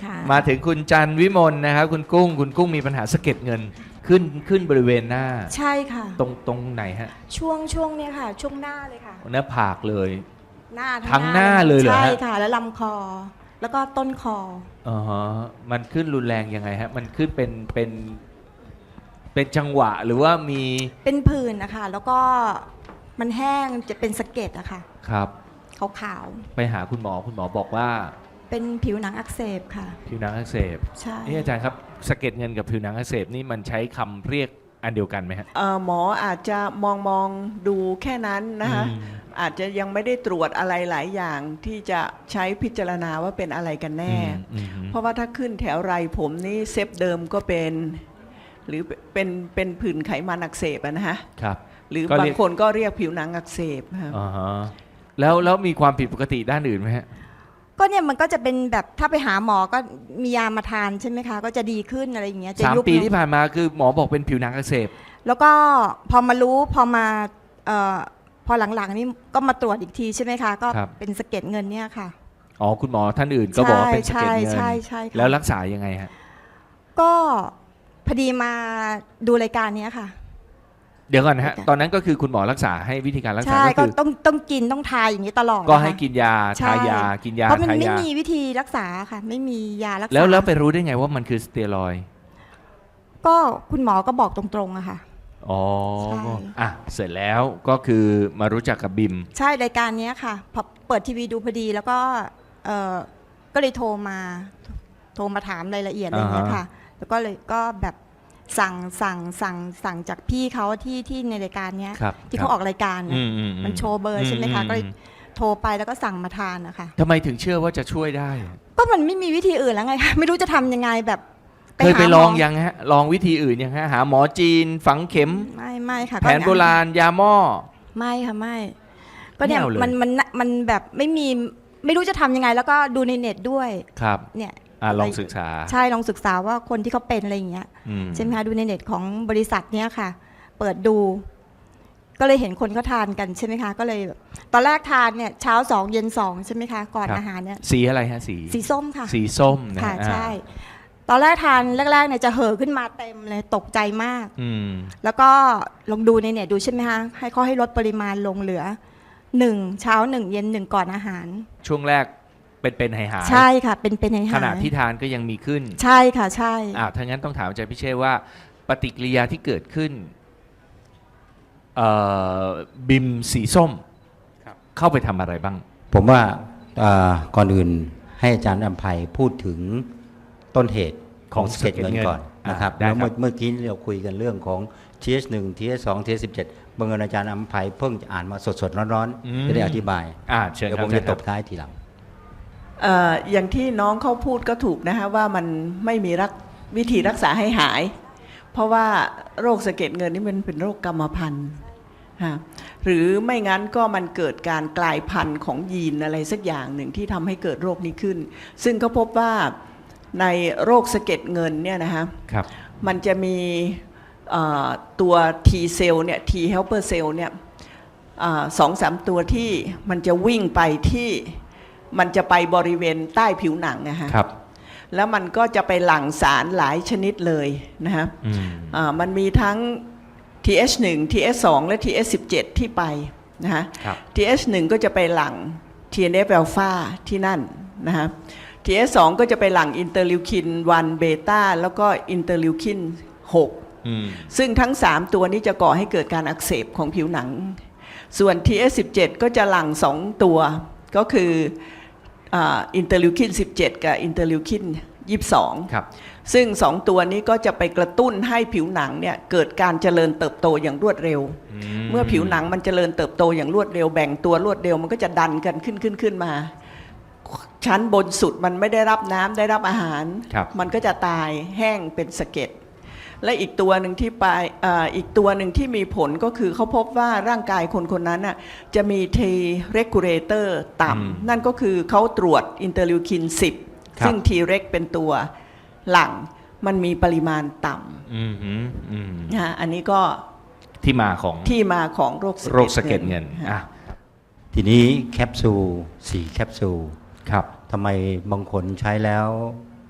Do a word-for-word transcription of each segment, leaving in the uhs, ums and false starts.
ค่ะมาถึงคุณจันวิมลนะครับคุณกุ้งคุณกุ้งมีปัญหาสะเก็ดเงินขึ้นขึ้นบริเวณหน้าใช่ค่ะตรงตรงไหนฮะช่วงช่วงเนี้ยค่ะ ช่วงหน้าเลยค่ะหน้าผากเลยหน้าทั้งหน้าเลยเหรอฮะใช่ค่ะ แล้วลำคอ แล้วก็ต้นคออ๋อฮะมันขึ้นรุนแรงยังไงฮะมันขึ้นเป็นเป็นเป็นจังหวะหรือว่ามีเป็นผื่นนะคะแล้วก็มันแห้งจะเป็นสะเก็ดอะค่ะครับขาวไปหาคุณหมอคุณหมอบอกว่าๆเป็นผิวหนังอักเสบค่ะผิวหนังอักเสบใช่นี่อาจารย์ครับสะเก็ดเงินกับผิวหนังอักเสบนี่มันใช้คำเรียกอันเดียวกันไหมฮะเอ่อหมออาจจะมองมองดูแค่นั้นนะคะอืมอาจจะยังไม่ได้ตรวจอะไรหลายอย่างที่จะใช้พิจารณาว่าเป็นอะไรกันแน่อืมอืมเพราะว่าถ้าขึ้นแถวไรผมนี่เซฟเดิมก็เป็น หรือเป็นเป็นผื่นไขมันอักเสบอะนะฮะครับหรือก็บาเรีงยกคนก็เรียกผิวหนังอักเสบค่ะอ่าฮะแล้วแล้วมีความผิดปกติด้านอื่นไหมฮะก็เนี่ยมันก็จะเป็นแบบถ้าไปหาหมอก็มียามาทานใช่ไหมคะ ก็จะดีขึ้นอะไรอย่างเงี้ยจะสามยุบปีลงที่ผ่านมาคือหมอบอกเป็นผิวหนังอักเสบแล้วก็พอมารู้พอมาเอ่อพอหลังๆนี่ก็มาตรวจอีกทีใช่ไหมคะ ก็เป็นสะเก็ดเงินเนี่ยค่ะอ๋อคุณหมอท่านอื่นก็บอกว่าเป็นสะใช่เก็ดเงินใช่ใช่ค่ะแล้วรักษายังไงฮะก็พอดีมาดูรายการเนี้ยค่ะเดี๋ยวก่อนนะฮะค่ะตอนนั้นก็คือคุณหมอรักษาให้วิธีการรักษาใช่ก็ก็คือต้องต้องกินต้องทายอย่างนี้ตลอดก็นะคะให้กินยาใช่ทายากินยาเพราะมันทาไม่ยามีวิธีรักษาค่ะ ไม่มียารักษาแล้วแล้วไปรู้ได้ไงว่ามันคือสเตียรอยด์ก็คุณหมอก็บอกตรงๆอะค่ะอ๋อใช่อ่ะเสร็จแล้วก็คือมารู้จักกับบิมใช่รายการเนี้ยค่ะพอเปิดทีวีดูพอดีแล้วก็เออก็เลยโทรมา โทรมาถามรายละเอียดอะไรอย่างเงี้ยค่ะ แล้วก็เลยก็แบบสั่งสั่งสั่งสั่งจากพี่เขาที่ที่ในรายการเนี้ยครับที่เขาออกรายการอืน่ะมอือืมันโชว์เบอร์ใช่ไหมคะอืก็เลยอืโทรไปแล้วก็สั่งมาทานนะคะทำไมถึงเชื่อว่าจะช่วยได้ก็มันไม่มีวิธีอื่นแล้วไงคะ ไม่รู้จะทำยังไงแบบเคยไปหาหมลองยังฮะ ลองวิธีอื่นยังฮะ หาหมอจีน ฝังเข็มไม่ไม่ค่ะแผนโบราณ ยาหม้อไม่ค่ะไม่ ก็เนี่ยไม่เอาเลยมันมันมันแบบไม่มีไม่รู้จะทำยังไง แล้วก็ดูในเน็ตด้วยครับเนี่ยอ่ะลองศึกษาใช่ลองศึกษาว่าคนที่เขาเป็นอะไรอย่างเงี้ยอืมใช่ไหมคะดูในเน็ตของบริษัทเนี้ยค่ะ เปิดดู ก็เลยเห็นคนเขาทานกันใช่ไหมคะ ก็เลยแบบตอนแรกทานเนี่ยเช้าสองเย็นสองใช่ไหมคะก่อนครับอาหารเนี่ยสีอะไรฮะ สีสีส้มค่ะสีส้มนะค่ะฮะใช่ ตอนแรกทานแรกๆเนี่ยจะเห่อขึ้นมาเต็มเลยตกใจมากอืมแล้วก็ลองดูในเน็ตดูใช่ไหมคะให้เขาให้ลดปริมาณลงเหลือหนึ่งเช้าหนึ่งเย็นหนึ่งก่อนอาหารช่วงแรกเป็นเป็นหายหายใช่ค่ะ เป็นเป็นให้หายขณะที่ทานก็ยังมีขึ้นใช่ค่ะใช่อ่าถ้างั้นต้องถามอาจารย์พิเชษว่า ปฏิกิริยาที่เกิดขึ้นเอ่อบิมสีส้มเข้าไปทำอะไรบ้างผมว่าเอ่อก่อนอื่นให้อาจารย์อภัยพูดถึงต้นเหตุของของสะเก็ดเงินก่อนอ่านนะครับได้แล้วครัเมื่อบ เมื่อกี้เราคุยกันเรื่องของ ที เอช หนึ่ง ที เอช สอง ที เอช สิบเจ็ดบังเอิญอาจารย์อภัยเพิ่งจะอ่านมาสดๆร้อนๆจะได้อธิบายอ่าเชิญเดี๋ยวครัผบมจะอาตจารบย์ท้ายทีหลังเอ่ออย่างที่น้องเขาพูดก็ถูกนะคะว่ามันไม่มีรักวิธีรักษาให้หาย เพราะว่าโรคสะเก็ดเงินนี่มันเป็นโรคกรรมพันธุ์ฮะหรือไม่งั้นก็มันเกิดการกลายพันธุ์ของยีนอะไรสักอย่างหนึ่งที่ทำให้เกิดโรคนี้ขึ้น ซึ่งเขาพบว่าในโรคสะเก็ดเงินเนี่ยนะคะครับมันจะมีเอ่อตัว T เซลล์เนี่ย T helper cell เนี่ยสองสามตัวที่มันจะวิ่งไปที่มันจะไปบริเวณใต้ผิวหนังนะฮะครับแล้วมันก็จะไปหลั่งสารหลายชนิดเลยนะฮะอืมอ่ามันมีทั้ง ที เอช หนึ่ง ที เอช สอง และ ที เอช สิบเจ็ด ที่ไปนะฮะครับที เอช หนึ่ง ก็จะไปหลั่ง ที เอ็น เอฟ อลฟา ที่นั่นนะฮะ ที เอช สอง ก็จะไปหลั่งอินเตอร์ลิวคินวันเบต้าแล้วก็อินเตอร์ลิวคินหกอืมซึ่งทั้งสามตัวนี้จะก่อให้เกิดการอักเสบของผิวหนัง ส่วน ที เอช สิบเจ็ด ก็จะหลั่งสองตัวก็คืออินเตอร์ลิวคินสิบเจ็ดกับอินเตอร์ลิวคินยี่สิบสองครับซึ่งสองตัวนี้ก็จะไปกระตุ้นให้ผิวหนังเนี่ยเกิดการเจริญเติบโตอย่างรวดเร็ว เมื่อผิวหนังมันเจริญเติบโตอย่างรวดเร็วแบ่งตัวรวดเร็วมันก็จะดันกันขึ้นขึ้นขึ้นมา ชั้นบนสุดมันไม่ได้รับน้ำได้รับอาหารครับมันก็จะตายแห้งเป็นสะเก็ดและอีกตัวหนึ่งที่ไปอ่าอีกตัวหนึ่งที่มีผลก็คือเขาพบว่าร่างกายคนคนนั้นน่ะจะมี T regulator ต่ำนั่นก็คือเขาตรวจอินเตอร์ลิวคินสิบซึ่ง T reg เป็นตัวหลังมันมีปริมาณต่อืมอืมอืมำนะฮะอันนี้ก็ที่มาของที่มาของโรคโรคสะเก็ดเงินฮะอ่ะทีนี้แคปซูลสี่แคปซูลครับทำไมบางคนใช้แล้ว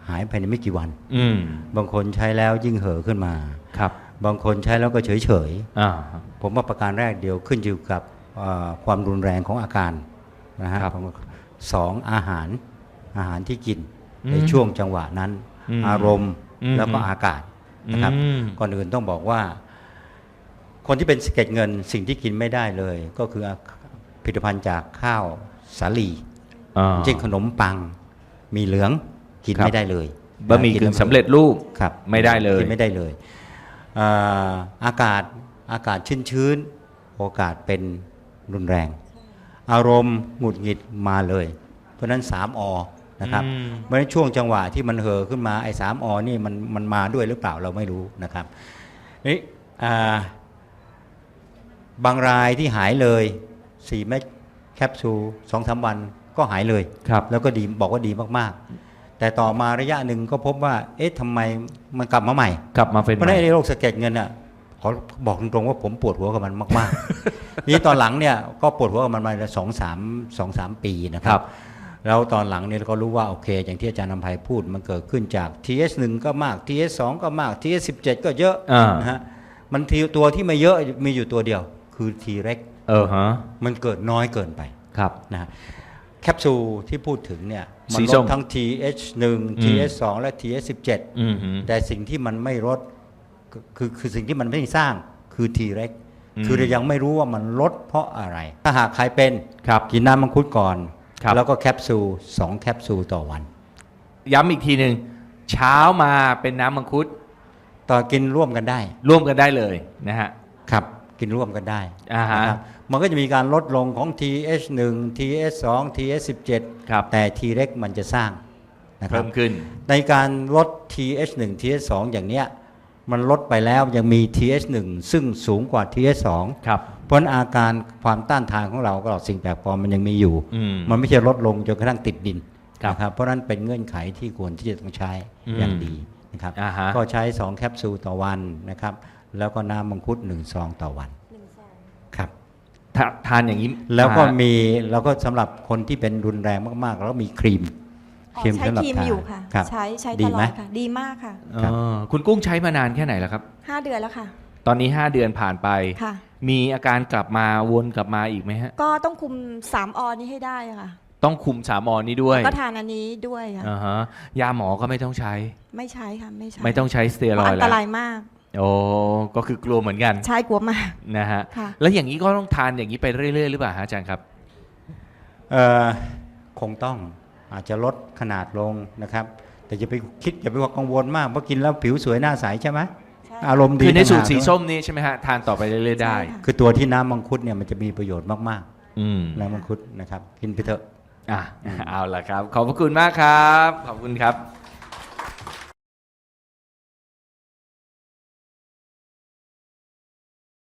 หายภายในไม่กี่วันอืมบางคนใช้แล้วยิ่งเห่อขึ้นมาครับบางคนใช้แล้วก็เฉยเฉยอ่าๆผมว่าประการแรกเดียวขึ้นอยู่กับเอ่อความรุนแรงของอาการนะฮะครับสองอาหารอาหารที่กินอืมในช่วงจังหวะนั้นอืมอารมณ์อืมแล้วก็อากาศนะครับอืมก่อนอื่นต้องบอกว่า คนที่เป็นสะเก็ดเงินสิ่งที่กินไม่ได้เลย ก็คือผลิตภัณฑ์จากข้าวสาลีอ่าเช่นขนมปังมีเหลืองกินครับไม่ได้เลยบะหมี่กึ่งสำเร็จรูปครับไม่ได้เลยกินไม่ได้เลยอ่าอากาศอากาศชื้นๆโอกาสเป็นรุนแรง อารมณ์หงุดหงิดมาเลย เพราะฉะนั้นสามอนะครับอืมเพราะฉะนั้นช่วงจังหวะที่มันเห่อขึ้นมาไอ้สามอนี่มันมันมาด้วยหรือเปล่าเราไม่รู้นะครับนี่อ่าบางรายที่หายเลยสี่เม็ดแคปซูลสองสามวันก็หายเลยครับแล้วก็ดีบอกว่าดีมากๆ แต่ต่อมาระยะหนึ่งก็พบว่า เอ๊ะทำไมมันกลับมาใหม่กลับมาเป็นเพราะฉะนั้นไอ้โรคสะเก็ดเงินอ่ะขอบอกตรงๆว่าผมปวดหัวกับมันมากๆ นี่ตอนหลังเนี่ยก็ปวดหัวกับมันมาสองสามสองสามปีนะคครัรับ บ แล้วตอนหลังเนี่ยเราก็รู้ว่าโอเค อย่างที่อาจารย์นำไพพูดมันเกิดขึ้นจาก ที เอช หนึ่ง ก็มาก ที เอช สอง ก็มาก ที เอช สิบเจ็ด ก็เยอะอ่านะฮะมันทีตัวที่ไม่เยอะมีอยู่ตัวเดียว คือ T เร็กเออฮะมันเกิดน้อยเกินไปครับนะฮะแคปซูลที่พูดถึงเนี่ยมัสีลส้ดมทั้ง ที เอช หนึ่งอืมที เอช สอง และ ที เอช สิบเจ็ดอืมฮึแต่สิ่งที่มันไม่ลดคือคือคือสิ่งที่มันไม่สร้างคือ T เร็กอืมคือเรายังไม่รู้ว่ามันลดเพราะอะไร ถ้าหากใครเป็นครับกินน้ำมังคุดก่อนครับแล้วก็แคปซูลสองแคปซูลต่อวันย้ำอีกทีหนึ่งเช้ามาเป็นน้ำมังคุดต่อกินร่วมกันได้ร่วมกันได้เลยนะฮะครับ กินร่วมกันได้อ่าฮะนะครับมันก็จะมีการลดลงของ ที เอช หนึ่ง ที เอช สอง ที เอช สิบเจ็ดครับแต่ T เร็กมันจะสร้างนะครัเพิ่บมขึ้นในการลด ที เอช หนึ่ง ที เอช สอง อย่างเนี้ยมันลดไปแล้วยังมี ที เอช หนึ่ง ซึ่งสูงกว่า ที เอช สองครับเพราะฉะนั้นอาการความต้านทานของเราก็สิ่งแปลกปลอมมันยังมีอยู่อืมมันไม่ใช่ลดลงจนกระทั่งติดดินครับนะครับเพราะฉะนั้นเป็นเงื่อนไขที่ควรที่จะต้องใช้อืมอย่างดีนะครับอ่าฮะก็ใช้สองแคปซูลต่อวันนะครับแล้วก็น้ำมังคุดหนึ่งซองต่อวันครับทาทานอย่างนี้แล้วก็อ่ามีแล้วก็สำหรับคนที่เป็นรุนแรงมากๆ แล้วมีครีมอ๋อครีมใช้สำหรับครีมทาอยู่ค่ะครับใช้ใช้ดีตลอไหมดค่ะ ดีมากค่ะครับเออคุณกุ้งใช้มานานแค่ไหนแล้วครับห้าเดือนแล้วค่ะตอนนี้ห้าเดือนผ่านไปค่ะมีอาการกลับมาวนกลับมาอีกไหมฮะก็ต้องคุมสามอนี้ให้ได้ค่ะต้องคุมสามอนี้ด้วยก็ทานอันนี้ด้วยค่ะอ่าฮะยาหมอก็ไม่ต้องใช้ไม่ใช้ค่ะไม่ใช้ไม่ต้องใช้สเตียเพรราะอยอัด์นแล้ตวรายมากโอ้ก็คือกลัวเหมือนกันใช่กลัวมากนะฮะค่ะแล้วอย่างนี้ก็ต้องทานอย่างนี้ไปเรื่อยๆหรือเปล่าฮะอาจารย์ครับเอ่อคงต้องอาจจะลดขนาดลงนะครับ แต่อย่าไปคิดอย่าไปว่ากังวลมากเพราะกินแล้วผิวสวยหน้าใสใช่ไหมใช่อารมณ์ดีคือในสูตรต่างหากสีด้วยส้มนี่ใช่ไหมฮะทานต่อไปเรื่อยๆได้ใช่ค่ะคือตัวที่น้ำมังคุดเนี่ยมันจะมีประโยชน์มากอืมๆน้ำมังคุดนะครับกินไปเถอะอ่ะเอาล่ะครับ ขอบพระคุณมากครับ ขอบคุณครับ